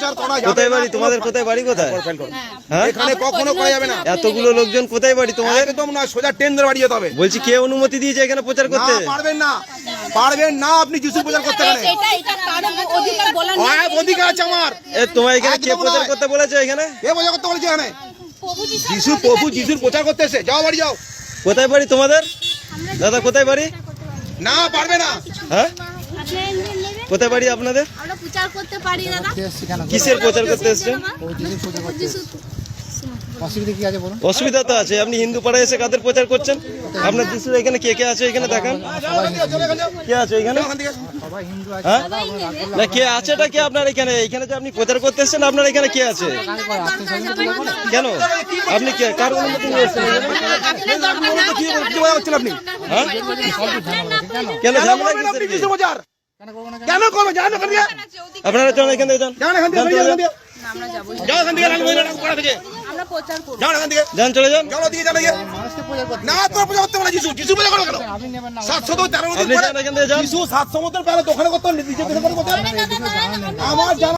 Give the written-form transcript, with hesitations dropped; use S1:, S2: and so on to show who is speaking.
S1: প্রচার করা যাবে
S2: কোথায় বাড়ি তোমাদের? কোথায় বাড়ি? কোথায়? হ্যাঁ,
S1: এখানে কখনো করা যাবে না।
S2: এতগুলো লোকজন কোথায় বাড়ি তোমাদের?
S1: একদম না, সোজা ট্রেন ধরে বাড়ি যেতে হবে।
S2: বলছি কে অনুমতি দিয়েছে এখানে প্রচার করতে?
S1: না, পারবেন না, পারবেন না আপনি যিশু প্রচার করতে পারেন। অধিকার আছে আমার।
S2: তোমার এখানে কে
S1: একদম
S2: প্রচার
S1: নয়।
S2: করতে বলেছে? এখানে
S1: কে প্রচার করতে বলেছে? এখানে প্রভু যিশুর প্রচার করতে এসে যাও, বাড়ি যাও।
S2: কোথায় বাড়ি তোমাদের? দাদা কোথায় বাড়ি?
S1: না, পারবে না।
S2: হ্যাঁ, কোথায় বাড়ি আপনাদের?
S3: আমরা প্রচার করতে পারি দাদা।
S2: কিসের প্রচার করতে এসেছেন?
S4: অসুবিধা কি আছে বলুন?
S2: অসুবিধা তো আছে। আপনি হিন্দু পাড়ায় এসে কাদের প্রচার করছেন? আপনার যিশুর এখানে কে কে আছে? এখানে দেখান কে আছে এখানে।
S4: সবাই হিন্দু আছে।
S2: হ্যাঁ, না কে আছেটা কে আপনার এখানে? এখানে যে আপনি প্রচার করতে এসেছেন, আপনার এখানে কে আছে? কেন আপনি কে কার অনুমতি নিয়ে এসেছেন?
S1: কি বলা হচ্ছিল আপনি?
S2: হ্যাঁ, কেন ঝামেলা কিসের কি?
S1: যিশু প্রচার কেন করবে? যান এখান থেকে,
S2: আপনারা চলেন এখান থেকে, যান
S1: যান এখান থেকে,
S2: চলে যান।
S1: যাও এখান থেকে, পাড়া থেকে
S3: আমরা প্রচার করব।
S1: যাও এখান থেকে,
S2: যান চলে যান।
S1: যাও দিকে, যান দিকে। না, তোর প্রচার করতে পারে যিশু। যিশু প্রচার করো কেন?
S4: আপনি নেবেন না।
S1: 700 তো 13
S2: আপনি যান এখান থেকে, যান।
S1: যিশু 700 মতো পেলে দোকানে করতে নিজে দোকানে করতে আমার জানা